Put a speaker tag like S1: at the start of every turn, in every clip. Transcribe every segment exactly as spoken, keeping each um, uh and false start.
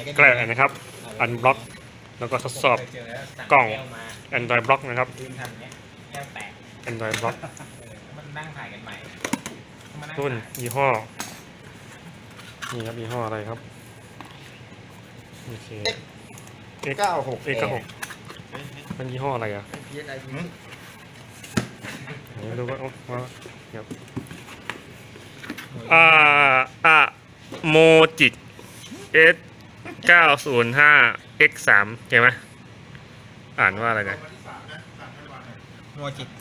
S1: แกะนะครับอันบล็อกแล้วก็ทดสอบกล่อง Android บล็อกนะครับ Android บล็อก
S2: มันนั่งถ่ายกันใหม่
S1: รุ่นยี่ห้อนี่ครับยี่ห้ออะไรครับโอเค
S3: X เก้าหก
S1: X เก้าหกมันยี่ห้ออะไรอ่ะไม่รู้ว่าว่าครับอ่าอ่าโมจิก S เก้าศูนย์ห้า X สามใช่ไหมอ่านว่าอะไรนะ
S2: โมจิก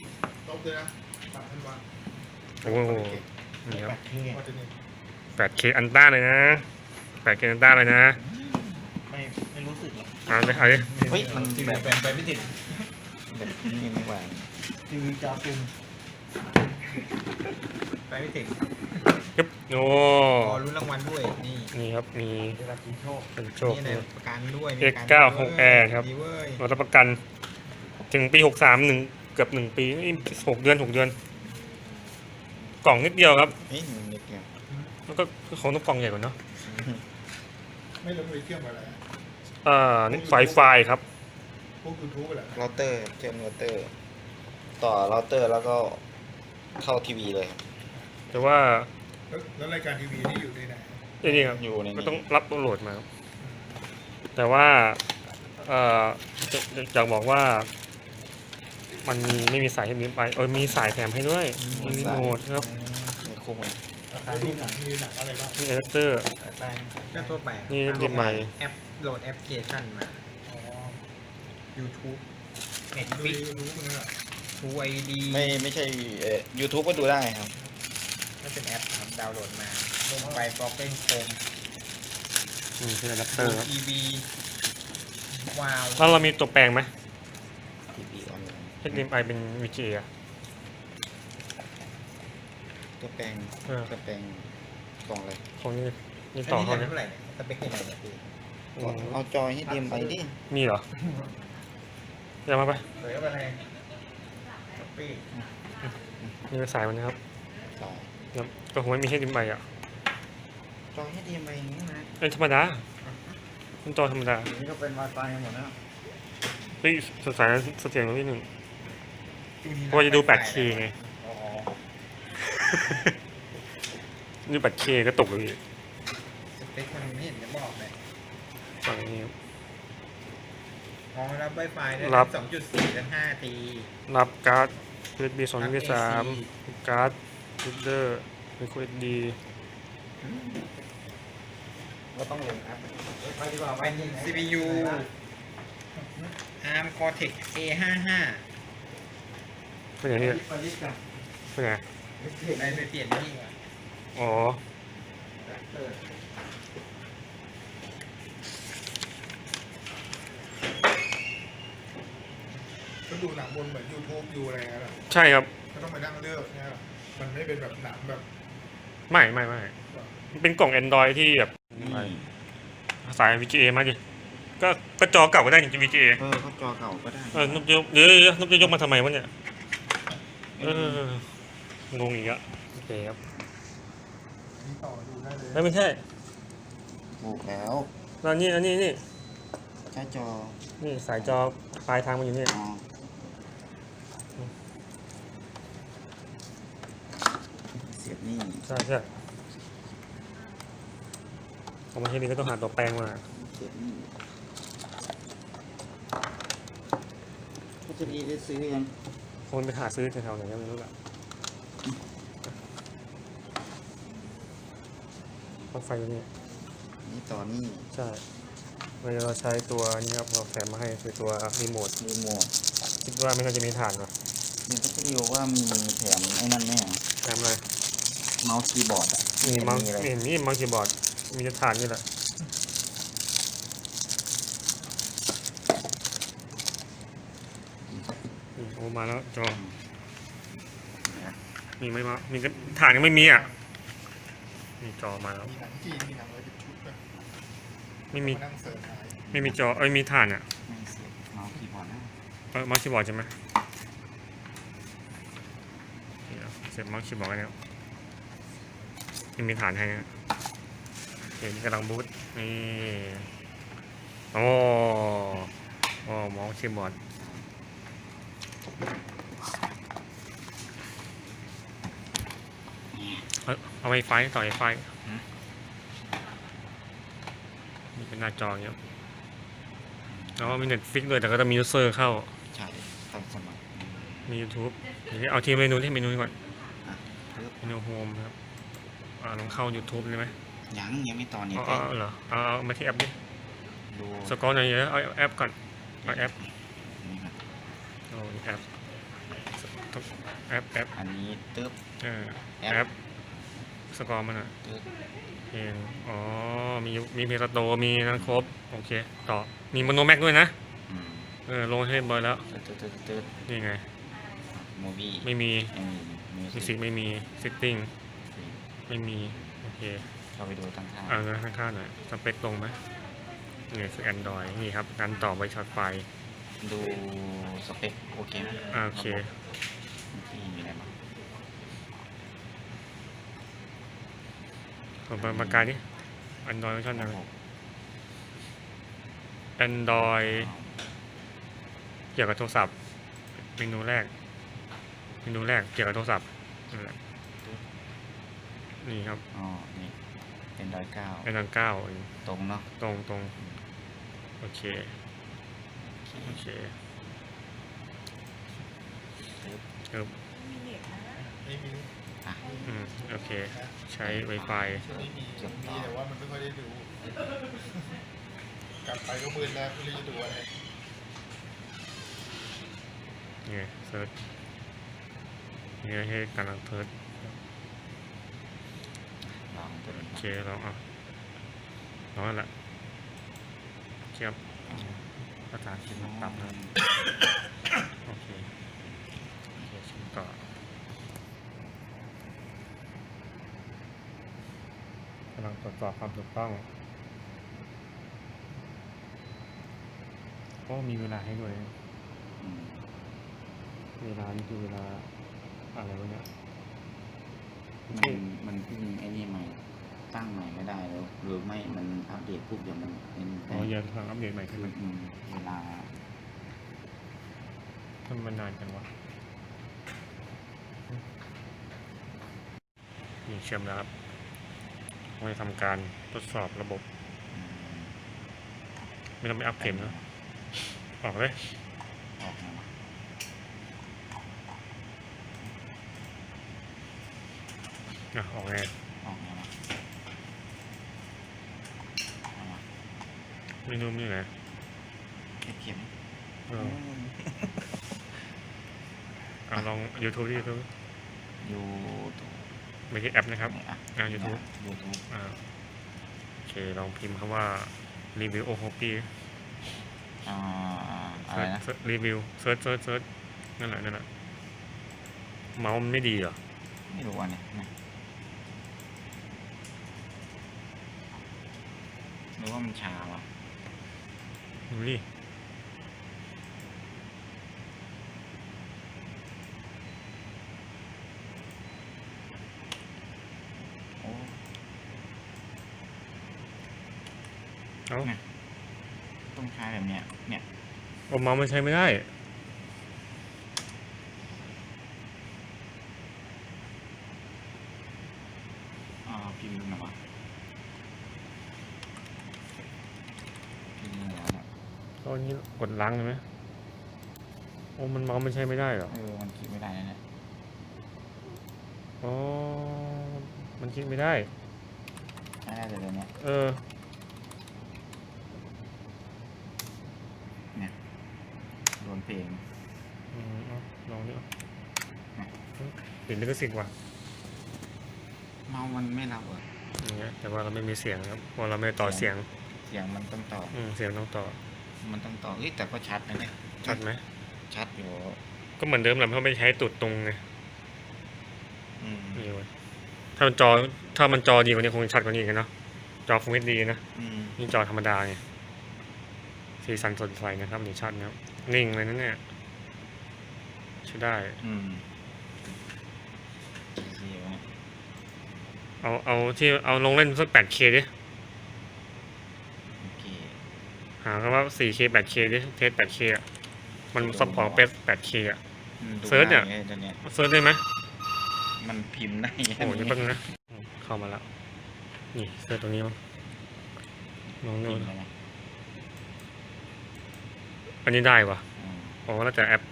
S1: โอ้โหนี่ครับ แปดเค อันต้าเลยนะ แปดเค อันต้าเลยนะ
S2: ไม่ไม่รู้สึกหรอก
S1: เอาเลยเอาเลย
S3: เฮ้ยมัน
S2: แบบแบบไปไม่ติด
S3: แบบนี้ไม่ไหว
S2: ทีวีจอซุ่มไปไม่ติด
S1: ครับโอ้
S2: ลุ้นรางวัลด้วยนี่
S1: นี่ครับมีเป็นโชค
S2: นี่ประกันด้วย
S1: เอ็กซ์เก้าหก แอร์ ครับรับประกันถึงปีหกสามหนึ่งเกือบหนึ่งปีนี่หกเดือนหกเดือนกล่องนิดเดียวครับแล้วก็ของต้องกล่องใหญ่กว่าเนาะ
S4: ไม่รู้มีเครื่องอะไร
S1: อ่านี่ไฟไฟครับ
S4: พวกยูทูบอะไร
S3: เราเตอร์เชื่อมเราเตอร์ต่อเราเตอร์แล้วก็เข้าทีวีเลยครับ
S1: แต่ว่า
S4: แล้วรายการทีวีนี่อยู่ในไหน
S1: นี่ครับ
S3: อยู่ใน
S1: ก็ต้องรับโหลดมาครับแต่ว่าเอ่อจะจะบอกว่ามันมีไม่มีสายให้นี้ไปเออมีสายแถมให้ด้วยมีรีโมทครับ
S3: มีคู่มือ
S4: มีหนังมีหนังอะไรบ้าง
S1: มีอะแดปเตอร์
S2: ก็ทั่วไป
S1: นี่ดิใหม่
S2: แอปโหลดแอปพลิเคชันมาอ๋อ YouTube เน็ตฟิกทูไอดี
S3: ไม่ไม่ใช่เอ่อ YouTube ก็ดูได้ครับ
S2: ไม่เป็นแอปครับดาวน์โหลดมาลงไปฟล็อกเก้นโคม
S1: อืมเป็นอะแดปเตอร์ครับ
S2: ทีวีว้าว
S1: แล้วเรามีตัวแปลงไหม
S3: ทีวีออนไลน์
S1: เอช ดี เอ็ม ไอ เป็น วี จี เอ อะ
S3: ตัวแปลงตัวแปลงกล่องอะไร
S1: ของนี่นี่ต่อเขาเนี่ย
S2: เท่าไหร่สเปคยังไงเนี่ยพี่
S3: เอาจอยให้ดีมไปดิ
S1: มีเหรอเดี๋ยวมาไป
S2: เดี๋ยวอะไรปี
S1: นี่เป็นสายมันนะครับ
S3: สาย
S1: ครับก็คงไม่มีให้ดิมใหม่อ่ะ
S3: จอยให้ดีมไปอย่างนี้นะ
S1: เป็นธรรมดาเป็นจอธรรมดา
S3: นี่ก็เป็น Wi-Fi หมดแล้ว
S1: เฮ้ยสายเสถียรนิดหนึ่งเพราะว่าจะดู แปดเค ไงนี่ แปดเค ก็ตกเลย
S2: สเปคมันไม่เห็นจะบอกเลย
S1: ฝั่งนี้
S2: อ๋อรับ Wi-Fi ได้รับ สองจุดสี่ ถึง ห้า ที
S1: รับการ์ด ยู เอส บี สอง ยู เอส บี สาม การ์ดรูเดอร์เป็น คู เอส ดี
S3: ก็ต้องลงแอป
S2: ไปดีกว่าเป็น ซี พี ยู อาร์ม Cortex เอ ห้าสิบห้า
S1: เป็นอย่างนี้เป็นไง
S2: ไปไปเปลี่ยนนี่ก่อน
S1: อ๋อ
S4: ก็ดูหนังบนเหมือนยูทูบอยู่อะไรนะ
S1: ใช่ครับ
S4: ก็ต้องไปนั่งเลือกเนี่ยมันไม่เป็นแบบหนังแบบ
S1: ไม่ไม่ไม่มันเป็นกล่อง Android ที่แบบสาย วี จี เอ มาดิก็ก็จอเก่าก็ได้จริง วี จี เอ
S3: เออเขาจอเก่าก็ได้
S1: เออนุบยกเดี๋ยวนุบจะยกมาทำไมวะเนี่ยเอองงอีกอ่ะโอเคครับไม่ไม่ใช่
S3: ถูกแล้ว
S1: แล้วนี่อันนี้นี่
S3: ใช้จอ
S1: นี่สายจอปลายทางมันอยู่นี่
S3: เสียบนี่
S1: ใช่ใช่เอามาที่นี่ก็ต้องหาตัวแปลงมา
S3: เสียบนี่ก็จะดีได้ซื้อยัง
S1: คงไปหาซื้อแถวๆไหนก็ไม่รู้ละปลั๊กไฟตัวนี้
S3: นี่ต่อนี่
S1: ใช่เราใช้ตัวนี้ครับเราแถมมาให้คือตัวรีโมท
S3: รีโมท
S1: คิดว่าไม่น่าจะมีฐานหรอ
S3: นี่ก็จะดีว่ามีแถมไอ้นั่นแน่
S1: แถมอะไร
S3: เมาส์คีย์บอร์ดอ่ะ
S1: มีเมาส์มีมีเมาส์คีย์บอร์ดมีฐานนี่แหละโอ้มาแล้วจอมีไหมมามีฐานยังไม่มีอ่ะมีจอมาแล้วไม่มีไม่มีจอเอ้ยมีฐานอ่ะ
S3: เมาส์คีย์บอร์ด
S1: เออเมาส์คีย์บอร์ดใช่ไหมเสร็จเมาส์คีย์บอร์ดแล้วยังมีฐานให้นะเห็นกำลังบูตนี่อ๋ออ๋อเมาส์คีย์บอร์ดเอาเอาไวไฟต่อไวไฟนี่เป็นหน้าจออย่างเงี้ยแล้วก็มี Netflix ด้วยแต่ก็จะมียูเซอร์เข้า
S3: ใช่ต้องสมัคร
S1: มี YouTube เดี๋ยวเอาที่เมนูที่เมนูนี้ก่อน
S3: อ่ะปึ๊บ
S1: เมนูโฮมครับอ่าลองเข้า YouTube เลยไหม
S3: ยังยังไม่ต่อเน็ต
S1: อ๋อ
S3: เลย
S1: เหรอเอาเอามาที่แอปดิ
S3: ดู
S1: สกอร์หน่อยเยอะเอาแอปก่อนเอาแอป
S3: นี่ครับ
S1: เอาแอปแอปแอป
S3: อันนี้ตึ๊บ
S1: เออ
S3: แอ
S1: แอ
S3: ป
S1: ปสกอร์มันอ่ะ
S3: ตึ๊บ
S1: เพลงอ๋อมีมีเพลงสโตมีนั้นครบโอเคต่อมีโมโนแม็กด้วยนะ
S3: อืม
S1: เออลงให้เรียบร้อยแล้ว
S3: ตึ๊ดตึ๊ดตึ๊ดตึ๊ด
S1: นี่ไง
S3: มูวี่
S1: ไม่มี
S3: ไม่มีมิว
S1: มิว
S3: สิ
S1: สิ
S3: ก
S1: กไม่มีซิตติ้งไม่มีโอเค
S3: เข้าไปดูตั้งค่า
S1: เอาเงินข้างๆหน่อยสเปคตรงไหมนี่คือ Android นี่ครับการต่อไวช็อตไฟ
S3: ดูสเปคโอเคไหม
S1: อ่าโอเค
S3: ที่มีอะไรบ้าง
S1: ผมประประกาศดิ Android เวอร์ชันอะไร Android เกี่ยวกับโทรศัพท์เมนูแรกเมนูแรกเกี่ยวกับโทรศัพท์นั่นแหละนี่ครับ
S3: อ๋อนี่เป็นร้อยเก้า
S1: Android เก้า
S3: ตรงเนาะ
S1: ตรงตรงโอเคโอเค
S3: ตึ๊บ
S1: ครับ
S4: ไม่มี
S3: อ่ะ
S1: อืมโอเคใช้ Wi-Fi
S4: ไม่มีมีแต่ว่ามันไม่ค่อยได้ดู กลับไปก็มืดแล้วไม่รู้จะดูอะไร
S1: นี่ไงเซิร์ชนี่ให้กำลังเซิร์ช
S3: ลองตัวนี้
S1: โอเคลองเอาลองนั่นแหละเทียบภาษาอังกฤษมันต่ำนะโอเคโอเคชิมต่อกำลังตรวจสอบความถูกต้องก็มีเวลาให้ด้วย
S3: อืม
S1: เวลานี่คือเวลาอะไรวะเนี่ย
S3: มันมันเพิ่งไอ้นี่ใหม่ตั้งใหม่ไม่ได้แล้วหรือไม่มันอัปเดตปุ๊บเดี๋ยวมันเป็น
S1: อ๋อยังทางอัปเดตใหม่ขึ้น
S3: คือ
S1: มา
S3: อืมเวลา
S1: ทำมันนานจังวะนี่เชื่อมแล้วครับเราจะทำการทดสอบระบบ
S3: อืม
S1: ไม่ต้องไปอัพเข็มนะออกเลย
S3: ออกมาวะ
S1: อ่ะออกไง
S3: ออกมาวะเอาวะ
S1: เมนูมันอยู่ไหน
S3: เก็บเข็ม
S1: เอออ่ะลอง YouTube ที่ YouTube
S3: อยู่ตัว
S1: ไม่ใช่แอปนะครับ
S3: ไหนอ่ะ
S1: อ่า YouTube
S3: ยูทูบ
S1: อ่าโอเคลองพิมพ์คำว่ารีวิวโอโฮปี
S3: อ่าอะไรนะ
S1: รีวิวเซิร์ชเซิร์ชเซิร์ชนั่นแหละนั่นแหละเมาส์มันไม่ดีเหรอ
S3: ไม่รู้อันเนี้ยนะหรือว่ามันช้าวะ
S1: ดูดิ
S3: โอ้
S1: เอ้า
S3: เนี่ยต้องใช้แบบเนี้ยเนี่ย
S1: โอ้เมาส์มันใช้ไม่ได้
S3: อ่าพิมพ์ดูหน่อยวะพิมพ์ดูแล้วเนี่ย
S1: ก็อันนี้กดล้างเลยไหมโอ้มันเมาส์มันใช้ไม่ได้เหรอ
S3: เออมันคิดไม่ได้นะเนี่ย
S1: อ๋อมันคลิกไม่ได้
S3: ไม่ได้แต่เดี๋ยวเนี้ย
S1: เออ
S3: เนี่ยโดนเพลง
S1: อืมเอาลองดิ
S3: นะ
S1: ติดลิขสิทธิ์ว่ะ
S3: เมาส์มันไม่รับเหรอ
S1: อย่างเงี้ยแต่ว่าเราไม่มีเสียงครับเพราะเราไม่ต่อเสียง
S3: เสียงมันต้องต่อ
S1: อืมเสียงต้องต่อ
S3: มันต้องต่อเอ้ยแต่ก็ชัดนะเนี่ย
S1: ชัดไหม
S3: ชัดอยู่
S1: ก็เหมือนเดิมแหละเพราะไม่ใช้ตุดตรงไง
S3: อืม
S1: นี่เว้ยถ้ามันจอถ้ามันจอดีกว่านี้คงชัดกว่านี้อีกันเนาะจอคงไม่ดีนะ
S3: อืม
S1: นี่จอธรรมดาไงสีสันสดใสนะครับนี่ชัดนะครับนิ่งเลยนะเนี่ยใช้ได้
S3: อืมเสียวะ
S1: เอาเอาที่เอาลงเล่นสัก แปดเค ดิ
S3: โอเค
S1: หาคำว่า โฟร์เค แปดเค ดิเทส แปดเค อ่ะมันซัพพอร์ตเป็น แปดเค อ่ะ
S3: มันดู
S1: เซิร์ชเนี่ย
S3: ง่าไงตัวเนี้ย
S1: เซิร์ชได้ไหม
S3: มันพิมพ์ได้
S1: โอ้ยนี่เพิ่งนะอืมเข้ามาแล้วนี่เซิร์ชตรงนี้มั้งลอง
S3: พิ
S1: ดู
S3: มพ์ได้ไหม
S1: อันนี้ได้ปะ
S3: อืม
S1: อ๋อแล้วแต่แอป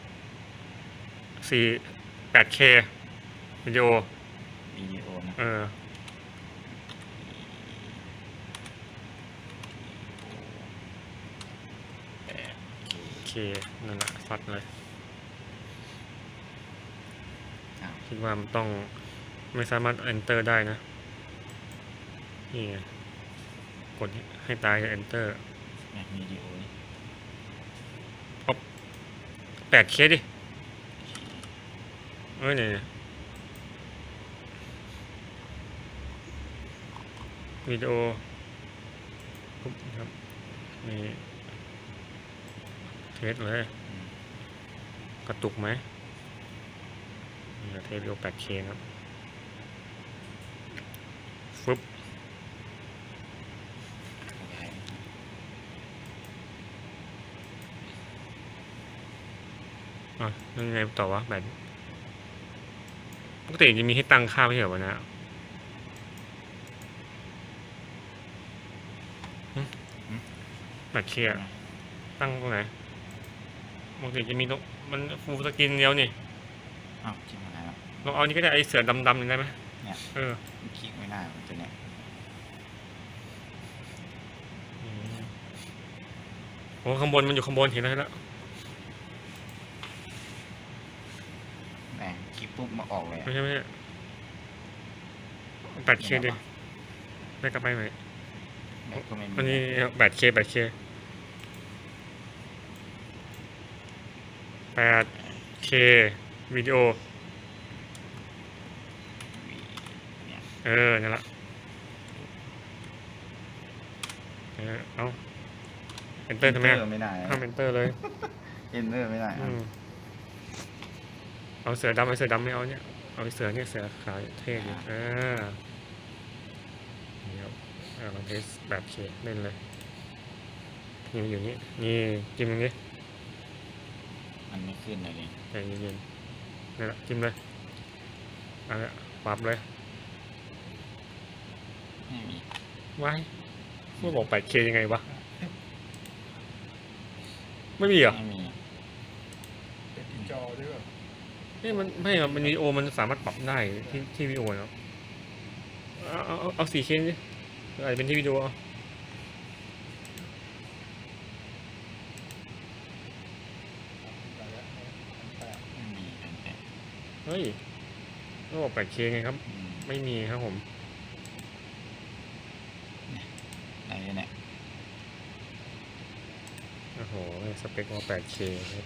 S1: สี่ แปดเค วิดีโอ
S3: วิดีโอนะ
S1: เออ
S3: แปด
S1: โอเค นั่นแหละซัดเลย
S3: อ้าว
S1: คิดว่ามันต้องไม่สามารถ enter ได้นะ นี่ไงกดให้ตายจะ enter
S3: แม็กวิดีโอนี่
S1: แปดเคดิ เอ้ยเนี่ยวิดีโอปุ๊บครับนี่เทสเลย
S3: อืม
S1: กระตุกไหมนี่เทสวิดีโอ แปดเค ครับฟึบ
S3: ขยาย
S1: อ่ะยังไงต่อวะแบบปกติจะมีให้ตั้งค่าไม่ใช่เหรอวะนะแปดเคอะตั้งตรงไหนปกติจะมีตรงมันฟูลสกรีนเดียวนี่
S3: อ้าวจิ้มอะไรแล้ว
S1: ลองเอานี่ก็ได้ไอเสือดำๆนี่ได้ไหม
S3: เนี่ย
S1: เออ
S3: มันคลิกไม่ได้มันตัวเนี้ย
S1: อืมโอ้ข้างบนมันอยู่ข้างบนเห็นแล้วเห็นแล้ว
S3: แม่งคลิกปุ๊บมาออกเลยอะ
S1: ไม่ใช่ไม่ใช่แปดเคดิไม่กลับไปไหม
S3: แม็กก็ไม่มี
S1: อันนี้แปดเคแปดเคแปดเควิดีโอ
S3: เนี่ย
S1: เออ นั่นแหละเออเอา enter ทำไมอะ
S3: Enter ไม่ได้
S1: ห้าม enter เลย
S3: เอนเตอร์ไม่ได้
S1: อืมเอาเสือดำไอเสือดำไม่เอาเนี่ย เอาไอเสือเนี่ยเสือขาเท่ดิเออเดี๋ยวเอาลองเทสแบบเคเล่นเลยนี่มันอยู่นี่นี่จิ้มตรงนี้
S3: มันไม่ขึ้นเลยดิ
S1: ใจเย็นๆนี่นแหละจิ้มเลยเอาละปรับเลย
S3: ไม่มี
S1: ว้ายเมื่อบอก แปดเค ยังไงวะ ไม่มีเหรอ
S3: ไม่มี
S4: เป็นที่จอด้วยแบบ
S1: นี่มันไม่ครับมันวิดีโอมันสามารถปรับได้ที่ที่วิดีโอเนาะเอาเอาเอาเอาสี่เคดิอะไรเป็นที่วิดีโอเอา
S3: ไม่มีแผ่นแปะ
S1: เฮ้ยก็บอก แปดเค ไงครับ
S3: อืม
S1: ไม่มีครับผม
S3: อะไรเนี่ย
S1: โอ้โหสเปคว่า แปดเคครับ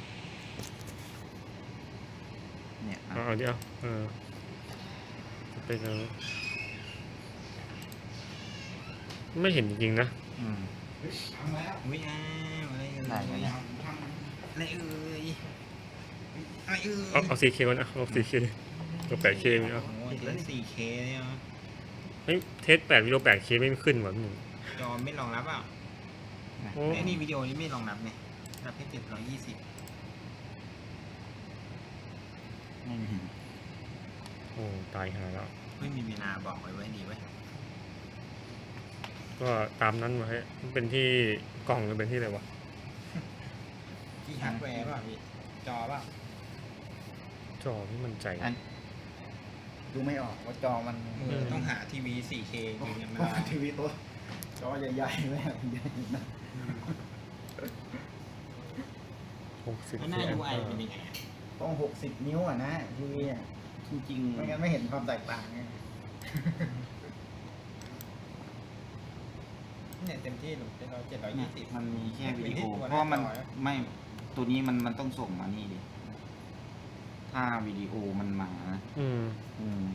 S3: เนี่ย
S1: เอาเอาดิเอาเออสเปคเอาไม่เห็นจริงๆนะ
S3: อืม
S2: อุ้ยอ้าวอะไรเอ่ย
S3: ได้ไหมเนี่ย
S2: อะไรเอ่ยอะไรเอ่ย
S1: เอาเอา สี่เค ก่อนนะเอา สี่เค ดิตัว แปดเค มีเอา
S2: โอ้โหเล่น สี่เค เนี่ยเหรอ
S1: เฮ้ยเทสแปดวิดีโอ แปดเค ไม่ขึ้นหว่ะมึง
S2: จอไม่รองรับอ่ะ
S1: โอ้
S2: ไอ้นี่วิดีโอนี้ไม่รองรับเนี่ยรับแค่เจ็ดร้อยยี่สิบ
S3: ไม่มี
S1: โอ้ตายหาแล้ว
S2: ไม่มีเวลาบอกไว้ไว้ดีไว้ย
S1: ก็ตามนั้นไว้มันเป็นที่กล่องหรือเป็นที่อะไรวะ
S2: ที่ฮาร์ดแวร์ป่ะพี่จอป่ะ
S1: จอไม่มั่นใจ
S3: อัน
S5: ดูไม่ออกว่าจอมัน
S2: มือต้องหาทีวี สี่เคยืนยันไม่ได้
S5: ทีวีตัวจอใหญ่ๆแม่งใหญ่นะ
S1: หกสิบ
S2: แล้วหน้า ยู ไอ เป็นยังไงอะ
S5: ต้องหกสิบนิ้วอ่ะนะทีวีอ่ะ
S3: จริง
S5: ไม่งั้นไม่เห็นความแตกต่างไง
S2: เนี่ยเต็มที่หนูเป็นร้อยเจ็ดร้อย
S3: ๆเนี่
S2: ยี่
S3: ย
S2: สิบ
S3: มันมีแค่วิดี
S2: เป็นที่
S3: โอ
S2: ตัว
S3: เพราะว่ามัน
S2: หน้าจออะ
S3: ไม่ตัวนี้มันมันต้องส่งมานี่ดิถ้าวิดีโอมันมานะ
S1: อืม
S3: อืม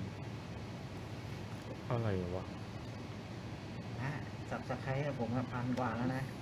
S1: อะไรวะ
S5: นะสับสไครต์ผมอะพันกว่าแล้วนะ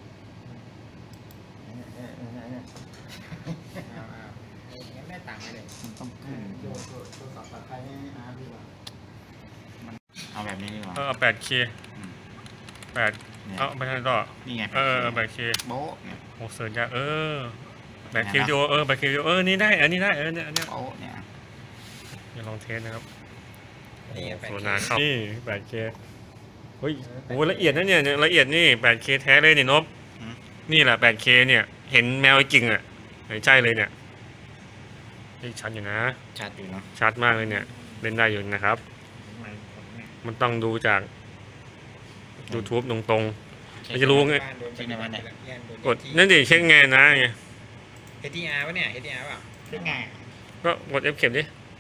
S5: เออเออเออเออ
S2: อ้าวอ้าวงั้นได้ตังค์ไหมเลย
S3: มันต้องขึ้น
S5: โยนโยนโยนสับสไครต์ให้อาร์ดีกว่า
S3: เอาแบบนี้ดีกว่า
S1: เออแปดเค
S3: อืม
S1: แปด
S3: เนี่ย
S1: เอาไปทางต่อ
S3: นี่ไง
S1: เออแบตเค
S3: โบ๊ะเนี่ย
S1: โอ้เสิร์ชยากเออแบตเค
S3: ไหนนะ
S1: วิดีโอเออแบตเควิดีโอเออนี่ได้อันนี้ได้เออเนี่ยอันเนี้ย
S3: โบ๊ะเนี่ย
S1: อย่าลองเทสนะครับ
S2: นี่แปด
S1: โซ
S2: เค
S1: นาเข้านี่แบตเคเฮ้ยโอ้ละเอียดนะเนี่ยเนี่ยละเอียดนี่แบตเคแท้เลยเนี่ยนบนี่แหละแบตเคเนี่ยเห็นแมวจริงอ่ะใช่เลยเนี่ยนี่ชัดอยู่นะ
S3: ชัดอยู่เนาะ
S1: ชัดมากเลยเนี่ยเล่นได้อยู่นะครับ
S5: ไม่กดไม่
S1: มันต้องดูจาก YouTube ตรงๆเราจะรู้ไง
S2: จริงนะมันเนี่ย
S1: กดนั่นดิเช็คไงนะไง
S2: เฮดีอาร์ป่ะเนี่ยเฮดีอาร์ป่ะ
S5: เช็คไง
S1: ก็กด F เข็มดิ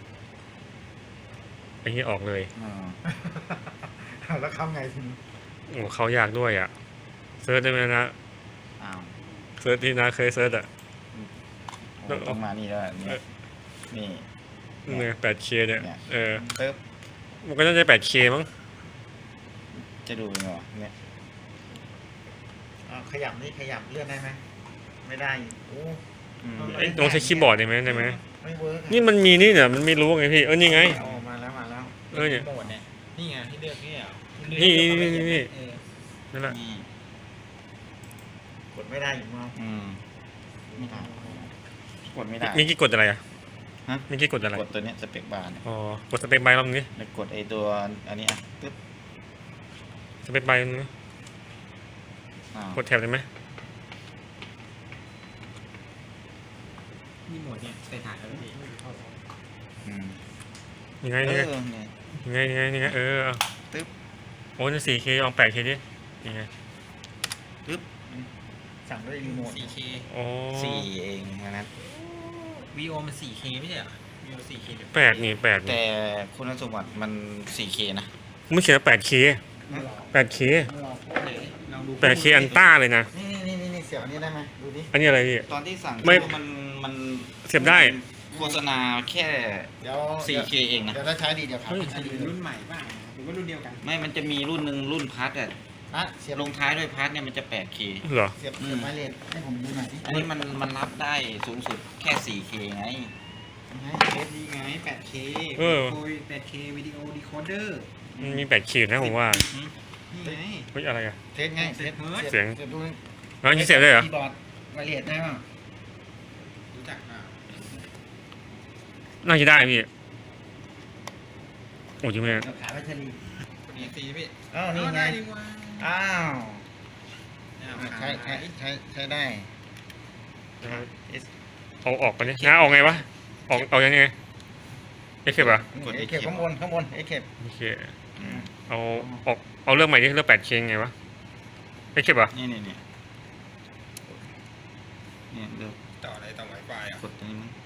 S1: ไอ้นี้ออกเลย
S3: อ่า
S5: แล้วเข้าไงทีนี้
S1: โอ้เขาอยากด้วยอ่ะเซิร์ชได้ไหมนะ
S3: อ้าว
S1: เซิร์ชที่นะเคยเซิร์ชอ่ะ
S3: โอ้ต้องมานี่แล้วเนี่ยนี่
S1: เนี่ย แปดเค เนี่ย
S3: เนี่ย
S1: เออ
S3: ปึ๊บ
S1: มันก็น่าจะ แปดเค มั้ง
S3: จะดูยังไงวะเนี่ย
S5: อ่าขยับนี่ขยับเลื่อนได้ไหมไม่ได้อีกโอ้
S3: อืม
S1: ไอ้ลองใช้คีย์บอร์ดได้ไหมได้ไหม
S5: ไม่เวิร์ก
S1: นี่มันมีนี่เนี่ยมันไม่รู้ไงพี่เออนี่ไง
S5: เอาออกมาแล้วมาแล้ว
S1: เออเนี่ย
S2: โหมดเนี่ยนี่ไงที่เลือกนี่เหรอ
S1: นี่นี่นี่นี่
S2: เออ
S1: นั่นแหละ
S3: นี่
S5: กดไม่ได้อีกมั้ง
S3: อืมไม่ได้กดไม่ได้
S1: มีกี่กดอะไรอ่ะ
S3: ฮะ
S1: มีกี่กดอะไร
S3: กดตัวเนี้ยสเปกบาร์เนี่ย
S1: อ๋อกดสเปคไบร์รอบนี้
S3: แล้วกดไอตัวอันนี้อ่ะปึ๊บ
S1: สเปคไบร์รอบนี้
S3: อ้าว
S1: กดแถบได้ไหม
S2: นี่โหมดเนี่ยใส่ถ่ายแล้วพี่
S3: อืม
S1: ยังไง
S3: เอ
S1: ยังไง
S3: อเนี่ย
S1: ยังไงยังไงยังไงเออเอา
S3: ตึ๊บ
S1: โอ้ยสี่เคลองแปดเคดิยังไง
S5: สั่งด้วยรีโมท
S2: สี่เค
S1: อ๋อ
S3: สี่เองนะ
S2: วีโอมันสี่เคไม่ใช่เหรอวีโอสี่เคเดี๋ยว
S1: แปดนี่แปดนี่
S3: แต่คุณสมบัติมัน สี่เค นะ
S1: ไม่เขียนแปดเคแปดเค
S2: ลองดู
S1: แปดเคอันต้าเลยนะ
S5: นี่นี่นี่นี่เสียบอันนี้ได้ไหมดูดิ
S1: อันนี้อะไรพี่
S3: ตอนที่สั่ง
S1: ไม่
S3: มันมัน
S1: เสียบได้
S3: โฆษณาแค่
S5: เดี๋ยว
S3: สี่เค เองนะ
S5: เดี๋ยวถ้าใช้ดีเดี๋ยวครับ
S1: เฮ้ย
S5: ใช้ดี
S2: เป็นรุ่นใหม่ป่ะหรือว่ารุ่นเดียวกัน
S3: ไม่มันจะมีรุ่นหนึ่งรุ่นพัทอ่ะ
S5: อ่ะเสียบ
S3: ลงท้ายด้วยพัทเนี่ยมันจะ แปดเค
S1: เหรอ
S5: เสียบเสียบไม้เลนให้ผมดูหน่อยดิ
S3: อันนี้มันมันรับได้สูงสุดแค่ สี่เค ไง
S5: ให้เทส
S2: นี่ไง แปดเค
S1: เออ
S2: โอ้ย แปดเควิดีโอดีโคเดอร์
S1: มันมีแปดเคนะผมว่า
S2: นี่ไง
S1: เฮ้ยอะไรอ่ะ
S5: เทสไงเทส
S1: เสียง
S5: เสียบดู
S1: อ๋อนี่เสียบได้เหรอ
S5: คีย์บอร์ดไม้เลนได้ป่ะ
S2: รู้จักอ่ะ
S1: น่าจะได้พี่โอ้ยจริงไหม
S5: เดี๋ยวขายแบตเตอรี่
S2: นี่ตีพี่
S5: อ้าวนี่ไง
S2: ดีกว่า
S5: อ้าว
S2: อ้าว
S5: ใช้ใช้ใช้ใช้ได้
S1: เอาออกไปนี่นะออกไงวะออกออกยังไงเอ็กเคปอ่ะ
S3: กด
S5: เอ
S3: ไอ้
S5: เก็บ
S3: เข็ม
S5: ข้างบนข้างบนเอเก็บ
S1: โอเคเอาออกเอาเรื่องใหม่ดิเรื่องแปดเคไงวะเอ็กเคปอ่ะ
S3: นี่นี่นี่เนี่ยเดี๋ยว
S2: ต่ออะไรต่อ Wi-Fi อ่ะ
S3: กดตัวนี้มั้ง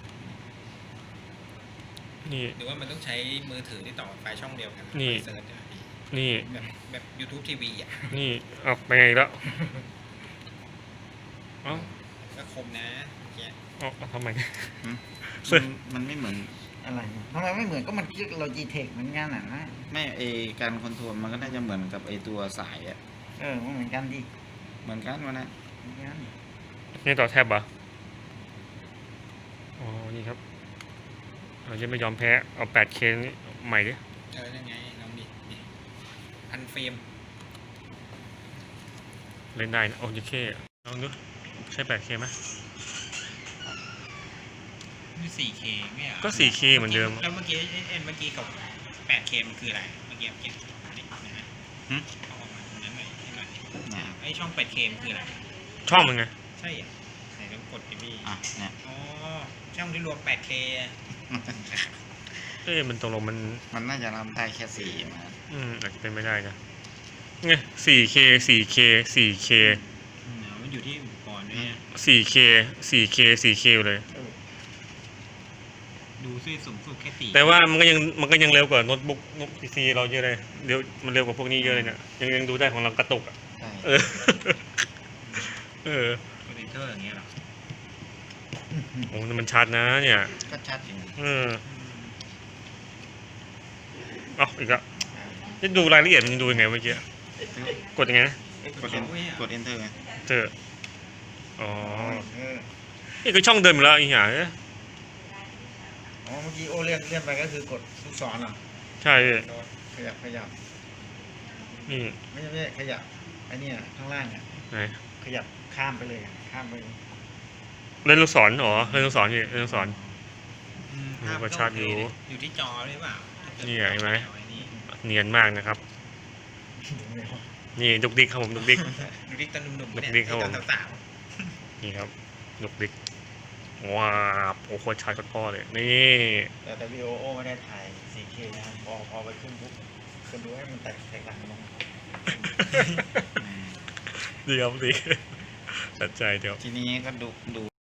S1: นี่
S2: หรือว่ามันต้องใช้มือถือที่ต่อ Wi-Fi ช่องเดียวกัน
S1: นี่
S2: เซิร์ชอ่ะพี่
S1: นี่
S2: แบบแบบ YouTube ที วี อ่ะ
S1: นี่เอาไปไงอีกแล้วเอ้า
S2: ก็คมนะเมื่อกี้
S1: เอาเอาทำไม
S3: หืม
S1: เสื้อ
S3: มันมันไม่เหมือน
S5: อะไรเนี่ยทำไมไม่เหมือนก็มันคิดเราจีเทคเหมือนกันอ่ะนะ
S3: ไม่ไอการคอนโทรลมันก็น่าจะเหมือนกับไอตัวสายอะ
S5: เออมันเหมือนกันดิ
S3: เหมือนกันวะนะ
S5: เหมือนกัน
S1: นี่ต่อแทบเหรออ๋อนี่ครับเราจะไม่ยอมแพ้เอาแปดเคนี่ใหม่ดิ
S2: เออยังไงลองดินี่พันเฟรม
S1: เล่นได้นะโอเคลองดูใช่แปดเคไหม
S2: นี่ สี่เค ไม่เหรอ
S1: ก็ สี่เค เหมือนเดิม
S2: แล้วเมื่อกี้เอ็นเอ็นเมื่อกี้กับ แปดเค มันคืออะไร เมื่อกี้เก็บนี่นะฮะ
S3: หึ
S2: เอาออกมาตรงนั้นหน่อยให้หน่อย
S3: เนี่ย
S2: ไอช่อง แปดเค มันคืออะไร
S1: ช่องมันไง
S2: ใช่เหรอไหนลองกดดิพี่
S3: อ่ะเนี่ย
S2: อ๋อ ช่องที่รวม แปดเค
S1: เอ้ยมันตกลงมัน
S3: มันน่าจะรับได้แค่สี่มา
S1: อืมอาจจะเป็นไม่ได้นะไง สี่เค สี่เค สี่เค
S2: อืมมันอยู่ที่อุปกรณ์ด้วยนะ
S1: สี่เค สี่เค สี่เคเลย
S2: ดูซิสูงสุดแค่สี่
S1: แต่ว่ามันก็ยังมันก็ยังเร็วกว่าโน้ตบุ๊กโน้ตพีซีเราเยอะเลยเร็วมันเร็วกว่าพวกนี้เยอะเลยเนี่ยยังยังดูได้ของเรากระตุกอ่ะ
S3: ใช่
S1: เออ เออ
S2: คอมพิวเตอร์อย่างเงี้ยเหรอ
S1: โอ้มันชัดนะเนี่ย
S3: ก็ชัดอยู่
S1: เออเอาอีกแล้วจะดูรายละเอียดมันดูยังไงเมื่อกี้กดยังไงนะ
S3: กด en- กด enter ไง
S1: เจออ๋อ
S5: เออ
S1: นี่คือช่องเดิมอยู่แล้วอีหยัง
S5: อ๋อเมื่อกี้โอเลื่อนเลื่อนไปก็คือกดลูกศรเหรอ
S1: ใช่พี่
S5: ขยับขยับ
S1: นี่
S5: ไม่ใช่ไม่ใช่ขยับไอ้เนี่ยข้างล่างเนี่ย
S1: ไหน
S5: ขยับข้ามไปเลยอะข้ามไป
S1: เล่นลูกศรอ๋อเล่นลูกศรพี่เล่นลูกศร
S2: อืม
S1: อืม
S2: ภาพ
S1: ก็ชัดอยู่
S2: อยู่ที่จอหรือเปล่า
S1: นี่ไงเห็นไหม
S2: เอาอ้นี่
S1: เนียนมากนะครับ นี่ดุกดิกครับผมดุกดิก
S2: ดูดิตอนหนุ่มๆปะเนี่ย
S1: ดิ๊กครับผม
S2: ไอ้ตอนสาว
S1: นี่ครับดุกดิกว้าบโอ้โหชัดกว่าพ่อเลยนี่
S5: แต่แต่วีโอโอไม่ได้ถ่าย โฟร์เค นะครับพอพอไปขึ้นปุ๊บคนดูให้มันแตกแตกต่างกันลง
S1: ดีครับดีตัดใจเดี๋ยว
S3: ทีนี้ก็ดูดู